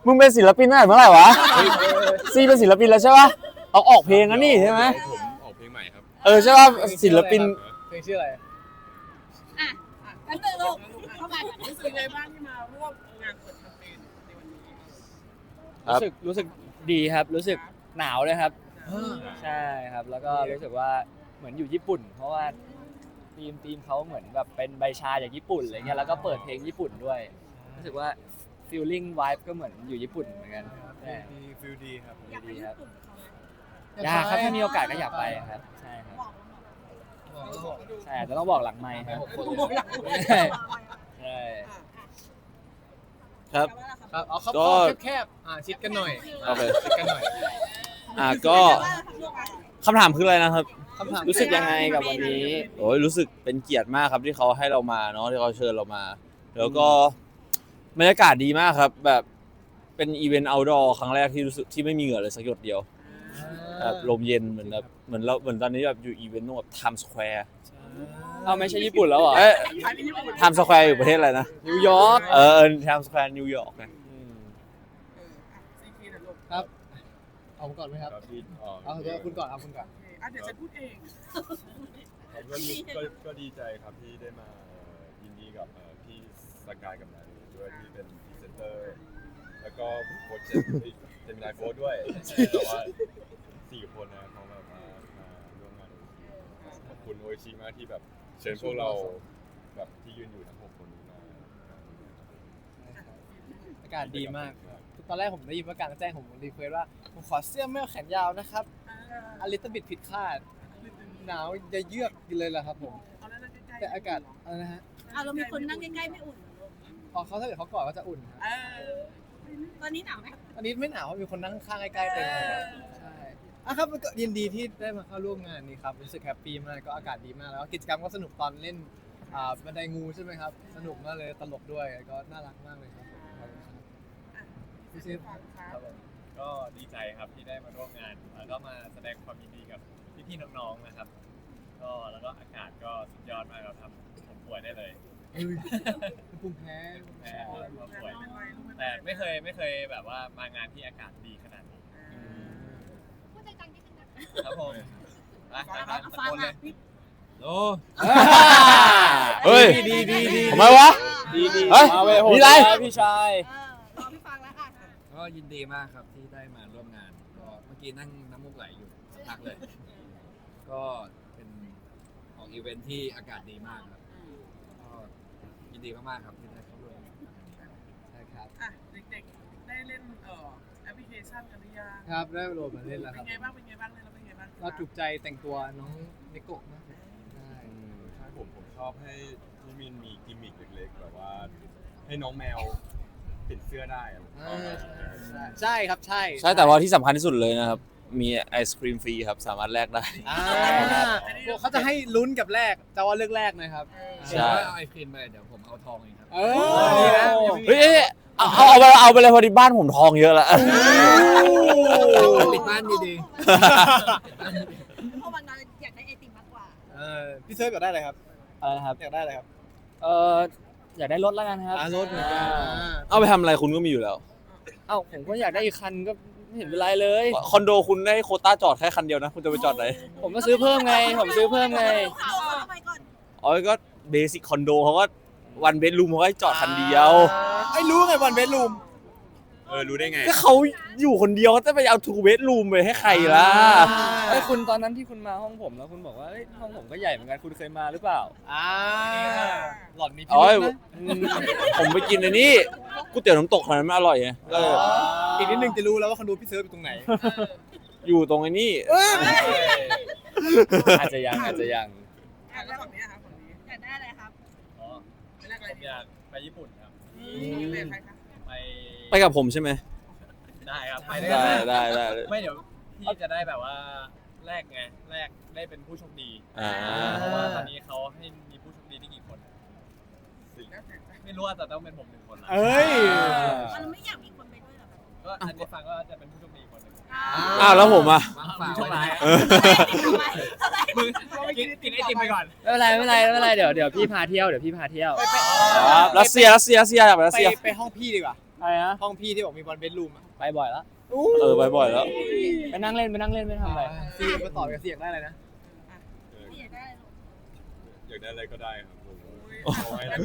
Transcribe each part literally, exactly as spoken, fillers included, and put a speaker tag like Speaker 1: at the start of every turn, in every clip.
Speaker 1: มึงเป็นศิลปินตั้งแต่เมื่อไหร่วะซีเป็นศิลปินแล้วใช่ปะเอาออกเพลงแล้วนี่ใช่ไหม
Speaker 2: ผมออกเพลงใหม่ครับ
Speaker 1: เออใช่ปะศิลปิน
Speaker 3: เพลงชื่ออะไร
Speaker 4: อ่ะกันเตอร์ลูกเข้ามา
Speaker 5: รู้สึกไงบ้างที่มาร่วมงานเปิดแคมเปญในวันนี้
Speaker 3: รู้สึกรู้สึกดีครับรู้สึกหนาวเลยครับใช่ครับแล้วก็รู้สึกว่าเหมือนอยู่ญี่ปุ่นเพราะว่าทีมทีมเขาเหมือนแบบเป็นใบชาจากญี่ปุ่นอะไรเงี้ยแล้วก็เปิดเพลงญี่ปุ่นด้วยรู้สึกว่า feeling vibe ก็เหมือนอยู่ญี่ปุ่นเหมือนกัน
Speaker 2: ดีฟิลดีครับ
Speaker 3: ดีครับอยากครับถ้ามีโอกาสก็อยากไปครับใช่ครับใช่แต่ต้องบอกหลังไมค์ครับใช่
Speaker 1: ครับ
Speaker 3: ครับเอาเขาแคบๆอ่าชิดกันหน่อย
Speaker 1: โอเค
Speaker 3: ชิดกันหน่อย
Speaker 1: อ่าก็คำถามคืออะไรนะครับ
Speaker 3: รู้สึกยังไงกับวันนี้
Speaker 1: โอ้ยรู้สึกเป็นเกียรติมากครับที่เขาให้เรามาเนาะที่เขาเชิญเรามาแล้วก็บรรยากาศดีมากครับแบบเป็นอีเวนต์เอาท์ดอร์ครั้งแรกที่รู้สึกที่ไม่มีเหงื่อเลยสักหยดเดียวแบบลมเย็นเหมือนแบบเหมือนเราเหมือนตอนนี้แบบอยู่อีเวนต์แบบไทม์สแควร์
Speaker 3: เอาไม่ใช่ญี่ปุ่นแล้วเหรอ
Speaker 1: เอ๊ะไทม์สแควร์อยู่ประเทศอะไรนะ
Speaker 3: นิวยอร์ก
Speaker 1: เออไทม์สแควร์นิวยอร์ก
Speaker 3: นะครับเอาผมก่อนไหมครับเอาเดี๋ยวคุณก่อนเอาคุณก่อน
Speaker 5: เดี๋ยวฉันพูดเอง
Speaker 2: ก็ดีใจครับที่ได้มายินดีกับพี่สกายกับนาลีด้วยที่เป็นพรีเซนเตอร์แล้วก็โค้ชเจมินายโค้ชด้วยแต่ว่าสี่คนนะเขาแบบมามาร่วมงานขอบคุณโอชิมากที่แบบเชิญพวกเราแบบที่ยืนอยู่ทั้งหกคนมา
Speaker 3: อากาศดีมากตอนแรกผมได้ยินว่ากลางแจ้งผมรีเควสว่าผมขอเสื้อแมวแขนยาวนะครับอลิตบิดผิดคาดหนาวจะเยือกกินเลยแหละครับผมแต่อากาศอะไรนะฮะ
Speaker 4: เรามีคนนั่งใกล้ๆไม่อุ่น
Speaker 3: อ๋อเขาถ้าเกิดเขากอดก็จะอุ่น
Speaker 4: ตอนนี้หนาวไหม
Speaker 3: ตอนนี้ไม่หนาวมีคนนั่งข้างใกล้ๆเต็มเลยใช่อ่ะครับก็ยินดีที่ได้มาเข้าร่วมงานนี้ครับรู้สึกแฮปปี้มากก็อากาศดีมากแล้วกิจกรรมก็สนุกตอนเล่นอ่าบันไดงูใช่ไหมครับสนุกมากเลยตลกด้วยก็น่ารักมากเลยครับพี่เชฟ
Speaker 6: ก็ดีใจครับที่ได้มาร่วมงานแล้วก็มาแสดงความยินดีกับพี่ๆน้องๆนะครับก็แล้วก็อากาศก็สุดยอดมากเราทำผมป่วยได้เลย
Speaker 3: ภูมิแพ้
Speaker 6: แพ้ป่วยแต่ไม่เคยไม่เคยแบบว่ามางานที่อากาศดีขนาดนี้
Speaker 4: พูดใจจังนิดนึงนะครับ
Speaker 6: ผม
Speaker 4: นะครับตะโกนเลย
Speaker 6: โอ้
Speaker 1: เฮ้ย
Speaker 3: ดีดีดี
Speaker 1: ทำไมวะ
Speaker 3: ดีดี
Speaker 1: เฮ้ยมีอะไร
Speaker 3: พี่ชาย
Speaker 4: รอพี่ฟังแล้วอ่ะ
Speaker 7: ก็ยินดีมากครับที่ได้มาร่วมงานก็เมื่อกี้นั่งน้ำมูกไหลอยู่สักพักเลยก็เป็นของอีเวนท์ที่อากาศดีมากครับก็ยินดีมากๆครับที่ได้เข้าร่วม
Speaker 3: ใช่ครับ
Speaker 5: อ่ะเด็กๆได้เล่นเอ่อแอปพลิเคชันกันหรือยัง
Speaker 3: ครับได้โหลดมาเล่นแล้วครับ
Speaker 5: เป็นไงบ้างเป็นไงบ้างเล่นแล้วเป็นไงบ้าง
Speaker 3: เราถูกใจแต่งตัวน้องเนโกะมาก
Speaker 2: ใช่ใช่ผมผมชอบให้พี่มินมีกิมมิคเล็กๆแบบว่าให้น้องแมวติดเสื้อได้
Speaker 3: ใช่ครับใช่
Speaker 1: ใช่แต่ว่าที่สำคัญที่สุดเลยนะครับมีไอศครีมฟรีครับสามารถแลกได้
Speaker 3: เขาจะให้ลุ้นกับแลกจะว่าเลือกแลกนะครับ
Speaker 7: ใช่เอาไอศครีมไปเดี๋ยวผมเอาทองเองครับ
Speaker 1: เฮ้ยเอาเอาไปเอาไปเลยพอดีบ้านผมทองเยอะแล้ว
Speaker 7: ปิดบ้านดี
Speaker 4: ๆเพราะวันนั้นอยากได้ไอติมมากกว่า
Speaker 3: พี่เซิร์ฟอยากได้อะไรครับ
Speaker 1: อะไรครับ
Speaker 3: อยากได้อะไรครับ
Speaker 1: เอออยากได้รถแล้วกันครับ
Speaker 3: รถเหมือนกัน
Speaker 1: เอาไปทำอะไรคุณก็มีอยู่แล้ว
Speaker 3: เอ้าผมก็อยากได้อีกคันก็ไม่เห็นเป็นไรเลย
Speaker 1: คอนโดคุณได้โควต้าจอดแค่คันเดียวนะคุณจะไปจอดไหน
Speaker 3: ผมก็ซื้อเพิ่มไงผมซื้อเพิ่มไง
Speaker 1: อ๋อก็เบสิคคอนโดเขาก็วันเบดรูมเขาก็จอดคันเดียว
Speaker 3: ไอ้รู้ไงวันเบดรูม
Speaker 2: เออรู้ได้ไง
Speaker 1: ก็เขาอยู่คนเดียวเขาจะไปเอาทูเบดรูมไปให้ใครล่ะ
Speaker 3: ไอ้คุณตอนนั้นที่คุณมาห้องผมแล้วคุณบอกว่าห้องผมก็ใหญ่เหมือนกันคุณเคยมาหรือเปล่าอ่าหล่อนมีพิรุธนะ
Speaker 1: ผมไปกินในนี้ก๋วยเตี๋ยวน้ำตกขนาดนั้นไม่อร่อยไง
Speaker 3: อีกนิดนึงจะรู้แล้วว่าคอนโดพี่เซิร์ฟอยู่ตรงไหน
Speaker 1: อยู่ตรงไอ้นี่
Speaker 3: อาจจะยังอาจจะยัง
Speaker 5: แล้วฝั่งนี้ครับฝั่งนี้
Speaker 4: อยากได้อะไรครับ
Speaker 6: อ๋อไม่ได้อะไรอยากไปญี่ปุ่นครับ
Speaker 5: ไปใครครับ
Speaker 6: ไป
Speaker 1: ไปกับผมใช่ไหม
Speaker 6: ได้ครับไป
Speaker 1: ได้ได้ได้
Speaker 6: ไม่เดี๋ยวพี่จะได้แบบว่าแลกไงแลกได้เป็นผู้โชคดีเพราะว่าตอนนี้เขาให้มีผู้โชคดีได้กี่คนไม่รู้แต่ต้องเป็นผมหนึ่งคน
Speaker 3: เอ้ย
Speaker 4: เราไม่อยากมีคนไปด้วยหรอ
Speaker 6: ก็อันนี้ฟังก็จะเป็นผู้โชคดีคนหนึ่ง
Speaker 1: อ้าวแล้วผมอ่ะ
Speaker 6: โชคร้ายมึงกินกินไอติมไปก่อน
Speaker 3: ไม่เป็นไรไม่เป็นไรไม่เป็นไรเดี๋ยวเดี๋ยวพี่พาเที่ยวเดี๋ยวพี่พาเที่ยว
Speaker 1: รัสเซียรัสเซียรัสเซียอยากไปรัสเซีย
Speaker 3: ไปห้องพี่ดีกว่าอะไรนะ
Speaker 6: ห้องพี่ที่บอกมีบอลเบดรูมอะ
Speaker 3: ไปบ่อยแล้ว
Speaker 1: เออบ่อยๆแล้ว
Speaker 3: ไปนั่งเล่นไปนั่งเล่นไม่ทำอะไร
Speaker 6: ซีมาต่อกับเสียงได้เลยนะ
Speaker 2: เออ
Speaker 4: อยากได้อะไรลูก
Speaker 2: อยากได้อะไรก็ได้ครับผมเอาไว้แล้ว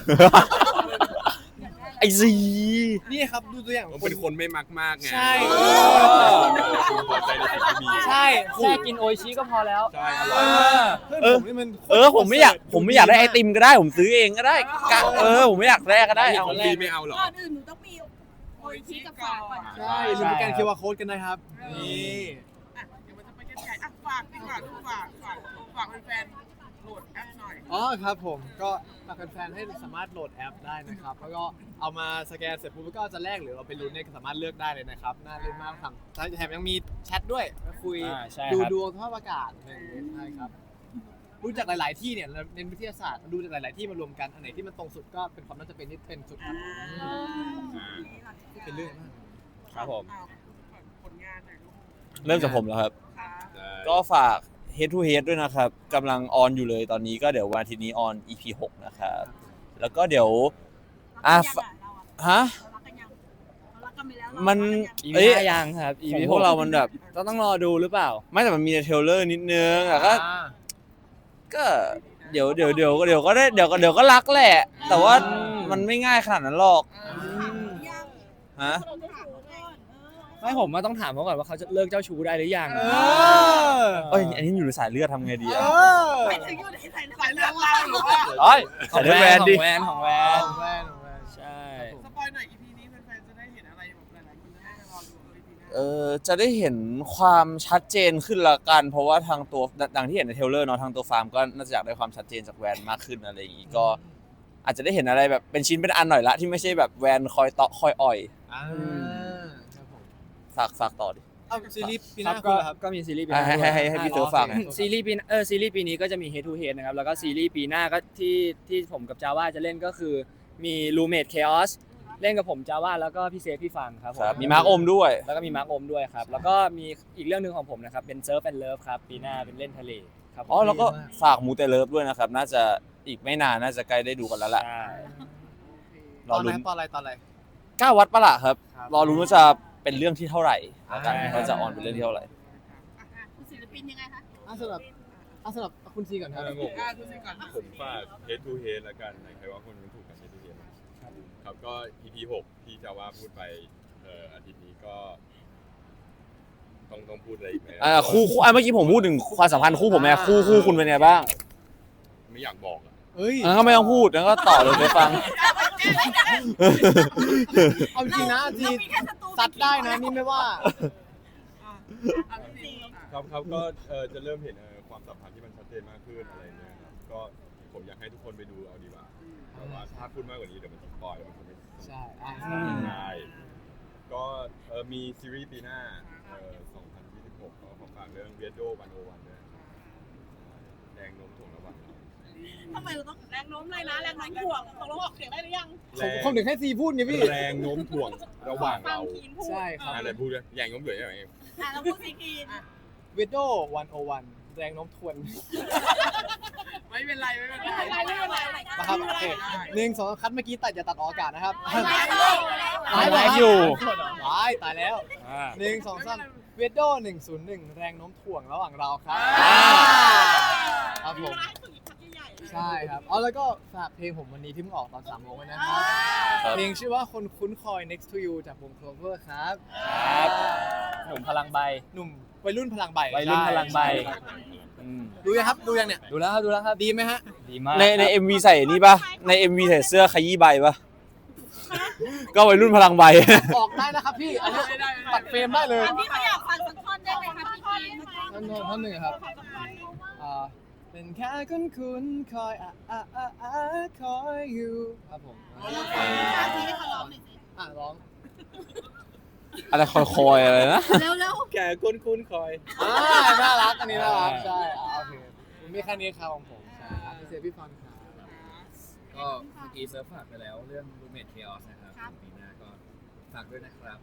Speaker 4: อยากได้อะไร
Speaker 1: ไอซี
Speaker 6: นี่ครับดูตัวอย่าง
Speaker 2: ผมเป็นคนไม่มักมากไง
Speaker 6: ใช่
Speaker 2: คุณพอใจในสิ่งที่มี
Speaker 6: ใช่
Speaker 3: แค่กินโออิชิก็พอแล้ว
Speaker 2: ใช่อร่อย
Speaker 6: เพื่อนผมนี่มัน
Speaker 1: เออผมไม่อยากผมไม่อยากได้ไอติมก็ได้ผมซื้อเองก็ได้กะเออผมไม่อยากได้ก็ได้เอา
Speaker 2: ของพี่ไม่เอาหรอ
Speaker 4: ก่อนอื่นหนูต้องมีโออิชิกับฝากก่อน
Speaker 6: ใช่ลืมสแกน คิว อาร์ Code กันนะครับ นี่
Speaker 5: อ่ะเดี๋ยวมันจะไปกันใหญ่อ่ะฝากดีกว่าลูกฝากฝากฝากแฟนๆโหลดแอปหน่อย
Speaker 6: อ๋อครับผมก็ฝากแฟนๆให้สามารถโหลดแอปได้นะครับ แล้วก็เอามาสแกนเสร็จปุ๊บก็จะแลกหรือเราไปลุ้นเนี่ยก็สามารถเลือกได้เลยนะครับ น่าเล่นมากทำแถมยังมีแชทด้วยมาคุย
Speaker 3: อ่าใช่
Speaker 6: ดู
Speaker 3: ครับ
Speaker 6: ดวงสภาพอากาศอะไรอย่างเงี้ยใช่ครับรู้จากหลาย ๆ ที่เนี่ยเราเน้นวิทยาศาสตร์ดูจากหลาย ๆ ที่มารวมกันอันไหนที่มันตรงสุดก็เป็นความน่าจะเป็นที่เป็นสุดครับเป็นเรื่องมาก
Speaker 1: ครับผม
Speaker 5: อ้าวผลงานหน่อยลูก
Speaker 1: เริ่มจากผมแล้วครับ
Speaker 5: ครับ
Speaker 1: ก็ฝาก Head to Head ด้วยนะครับกำลังออนอยู่เลยตอนนี้ก็เดี๋ยววันอาทิตย์นี้ออน อี พี หกนะครับแล้วก็เดี๋ยวอ่ะ
Speaker 4: อ่ะ
Speaker 1: ฮะ
Speaker 4: เรารักกันยังเรารักกันไปแล้ว
Speaker 1: มัน
Speaker 3: อี
Speaker 1: เอ้
Speaker 3: พี
Speaker 1: ย
Speaker 3: ห้ายังครับ
Speaker 1: ของพวกเรามันแบบ
Speaker 3: ต้องต้องรอดูหรือเปล่า
Speaker 1: ไม่แต่มันมีในเทรลเลอร์นิดนึงอะก็
Speaker 6: อ่า
Speaker 1: ก็เดี๋ยวเดี๋ยวเดี๋ยวเดี๋ยวก็ได้เดี๋ยวก็เดี๋ยวก็รักแหละ แต่ว่ามันไม่ง่ายขนาดนั้นหรอก
Speaker 4: ยัง
Speaker 1: ฮะ
Speaker 4: เราถามเขาก่อนเออ
Speaker 3: ไม่ผมว่าต้องถามเขาก่อนว่าเขาจะเลิกเจ้าชู้ได้หรือยัง
Speaker 6: เออ
Speaker 1: เอ้ยอันนี้อยู่ในสายเลือดทำไงดี
Speaker 6: เอ
Speaker 1: อะ
Speaker 6: อ
Speaker 4: ไปถึงอยู่ในสาย
Speaker 5: สายเลือดเราหรือว่า
Speaker 1: เอ้ย
Speaker 3: ของ
Speaker 1: สาย
Speaker 3: แว
Speaker 1: เลือดแวน น
Speaker 3: ข
Speaker 1: ดิ
Speaker 3: องแวนของแวน
Speaker 6: ของแว่นของแว่น
Speaker 3: ใช่
Speaker 5: สปอยหน่อย อี พี นี้แฟนๆจะได้เห็นอะไรแบบหลายๆคนจะได้รอดูเออ อี พี หน้า
Speaker 1: เออจะได้เห็นความชัดเจนขึ้นละกัน เพราะว่าทางตัวดังที่เห็นในเทรลเลอร์เนาะทางตัวฟาร์มก็น่าจะอยากได้ความชัดเจนจากแวนมากขึ้นอะไรอย่างงี้ก็ อาจจะได้เห็นอะไรแบบเป็นชิ้นเป็นอันหน่อยละที่ไม่ใช่แบบแวนคอยเตาะคอยอ่อย
Speaker 6: อ่าครับผม
Speaker 1: ฝากฝากต่อดิ
Speaker 6: เอาซีรีส์ปีห
Speaker 3: ครั
Speaker 6: น้า
Speaker 3: บ
Speaker 6: คุ
Speaker 3: ก็
Speaker 6: ณเหรอครับ
Speaker 3: ก็มีซีรีส์ปีห
Speaker 1: ให้
Speaker 3: น้า
Speaker 1: ให้ให้
Speaker 3: ด้วย
Speaker 1: ให้พี่เต๋อฝากหน่อย
Speaker 3: ซีรีส์ปีเออซีรีส์ปีนี้ก็จะมี Head to Head นะครับแล้วก็ซีรีส์ปีหน้าก็ที่ที่ผมกับจาว่าจะเล่นก็คือมี Roommate Chaos เล่นกับผมจาว่าแล้วก็พี่เซฟพี่ฟังครับผ
Speaker 1: ครับมีมาร์คอมด้วย
Speaker 3: แล้วก็มีมาร์คอมด้วยครับแล้วก็มีอีกเรื่องหนึ่งของผมนะครับเป็น Surf and Love ครับปีหน้าเป็นเล่นทะเลครับผม
Speaker 1: อ๋อแล้วก็ฝากมูเตเลิฟด้วยนะครับ น่าจะอีกไม่นานน่าจะใกล้ได้ดูกันแล้วแหละ
Speaker 3: ใช่
Speaker 1: ร
Speaker 6: ต
Speaker 1: อ
Speaker 6: อนไหน
Speaker 1: ลุ้น
Speaker 6: ตอนอะไรตอนอะไร
Speaker 1: เก้าวัดปะล่ะครับ
Speaker 6: ครับ
Speaker 1: รอลุ้นว่าจะเป็นเรื่องที่เท่าไหร่แล้วกัน
Speaker 6: อ่า
Speaker 1: ว่าจะออนเป็นเรื่องที่เท่าไหร่
Speaker 4: คุณศิลปินยังไงคะ
Speaker 6: อ่ะสำหรับอ่ะสำหรับคุณซีก่อนครับ
Speaker 2: ครับผม
Speaker 5: อ่ะดูสิก่อน
Speaker 2: ผมฝาก Head to Head แล้วกันใครว่าคนนึงถูกกับ Head to Head ครับก็ อี พี หกที่จะว่าพูดไปเอ่ออาทิตย์นี้ก็ต้องต้องพูดอะไรอีกไหม
Speaker 1: อ่าคู่คู่อ่ะเมื่อกี้ผมพูดถึงความสัมพันธ์คู่ผมไงคู่คู่คุณเป็นไงบ้าง
Speaker 2: ไม่อยากบอกอะ
Speaker 6: เฮ้ย
Speaker 1: งั้นก็ไม่ต้องพูดงั้นก็ต่อเลยไปฟัง
Speaker 6: เอาจริงนะที
Speaker 4: เรามีแค่ศัตรู
Speaker 6: ซัดได้นะนี่ไม่ว่า
Speaker 5: อ่ะพี่ซีอ่ะ
Speaker 2: ครับครับก็เอ่อจะเริ่มเห็นเอ่อความสัมพันธ์ที่มันชัดเจนมากขึ้นอะไรเนี่ยครับก็ผมอยากให้ทุกคนไปดูเอาดีกว่าแต่ว่าถ้าพูดมากกว่านี้เดี๋ยวมันจะสปอยล์แล้วมันจะไม่
Speaker 6: ใช่อ่ะ
Speaker 2: ใช่ก็เออมีซีรีส์ปีหน้าเอ่อสองพันยี่สิบหกก็ขอฝากเรื่องเวียดโดวันโอวันด้วยแดงนมถ่วงระหว่างเรา
Speaker 4: ทำไมเราต้องแรงโน้มเลยนะแรงโน้มถ่วงตกลงออกเสียงได้หรือยัง
Speaker 6: ผมผมถึงให้ซีพูดไงพี่
Speaker 2: แรงโน้มถ่วงระหว่าง
Speaker 4: ฟัง
Speaker 2: เรา
Speaker 4: คีนพูด
Speaker 6: ใช่ครับ
Speaker 2: อะไรพูดเลยแรงโน้มถ่วงยังไง
Speaker 4: อ่ะเราพูดซีคีน
Speaker 6: เวโดวันโอวันแรงโน้มทวน
Speaker 5: ไม่เป็นไรไม่เป็นไร
Speaker 4: ไม่เป็นไรไม่เป็นไร
Speaker 6: นะครับโอเคหนึ่งสองคัดเมื่อกี้ตัดอย่าตัดออกอากาศนะครับ
Speaker 3: ไลฟ์อยู่
Speaker 6: ตายตายแล้ว
Speaker 3: อ่า
Speaker 6: หนึ่งสองสามเวโดหนึ่งศูนย์หนึ่งแรงโน้มถ่วงระหว่างเราครับครับผมใช่ครับอ๋อแล้วก็ฝากเพลงผมวันนี้ที่เพิ่งออกตอนสามโมงไว้นะครับ
Speaker 1: ครับ
Speaker 6: เพลงชื่อว่าคนคุ้นคอย next to you จากวง Clover ครับ
Speaker 3: ครับหนุ่มพลังใบ
Speaker 6: หนุ่มวัยรุ่นพลังใบ
Speaker 3: วัยรุ่นพลังใบ
Speaker 6: ช่ครับ
Speaker 3: อืม
Speaker 6: ดูยังครับดูยังเนี่ย
Speaker 3: ดูแล้วครับดูแล้วครับ
Speaker 6: ดีไหมฮะ
Speaker 3: ดีมาก
Speaker 1: ในในเอ็มวีใส่นี่ปะใน เอ็ม วี ใส่เสื้อขยี้ใบปะก็วัยรุ่นพลังใบ
Speaker 6: ออกได้นะครับพี่อันนี้ตัดเฟรมได้เลย
Speaker 4: อันนี้เขาอยากฟังสักท่อนได้ไหมคะพี่คีน
Speaker 6: ท่านท่านหนึ่งครับอ่าเป็นแค่คุ้นคุ้นๆคอยอ่ะอ่ะอ่ะอ่ะคอยอยู่ครับผม
Speaker 4: ที่ให้เขาร้องหน่อยสิ
Speaker 6: อ่ะร้อง
Speaker 1: อะไรคอยคอยอะไรนะ
Speaker 4: เร็วเร็ว
Speaker 2: แกคุ้นคุ้นคอย
Speaker 6: อ่าน่ารักอันนี้น่ารักใช่อ่าโอเคผมมีแค่นี้ครับของผมใช่อ่ะพี่เซฟพี่ฟังครับ
Speaker 7: ก็เมื่อกี้เซิร์ฟฝากไปแล้วเรื่อง Roommate Chaos นะครับปีหน้าก็ฝากด้วยนะครับ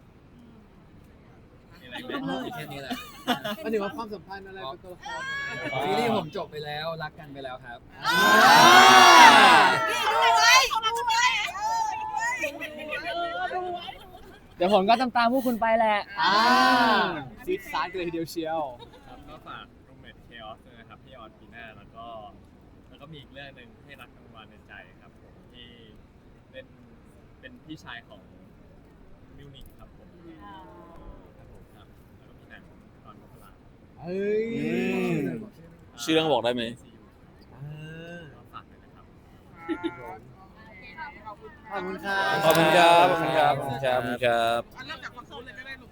Speaker 7: มีแค่นี้แหละ
Speaker 6: มันถือว่าความสัมพันธ์อะไรเป็นตัวละคร
Speaker 7: ซีรีส์ผมจบไปแล้วรักกันไปแล้วครับ
Speaker 4: นี่ดูไว้เขาดูไว้เออดูไว้
Speaker 3: เดี๋ยวผมก็ตามตามๆพวกคุณไปแหละ
Speaker 8: อ่าซีดซาร์กันเลยทีเดียวเชียว
Speaker 6: ครับก็ฝาก Roommate Chaos ด้วยนะครับที่ออนปีหน้าแล้วก็แล้วก็มีอีกเรื่องหนึ่งให้รักกันวันในใจครับผมที่เป็นเป็นพี่ชายของมิวนิกครับผมครับผมครับแล้วก็มีหนังตอนมกรา
Speaker 8: เฮ้ย
Speaker 1: อืม ชื่อเรื่องบอกได้ไหม
Speaker 6: ก็ฝากด้วยนะครับ
Speaker 8: ขอบคุณครับ
Speaker 1: ขอบคุณครับ ขอบคุณครับ ขอบคุณครับ ขอบคุณครับ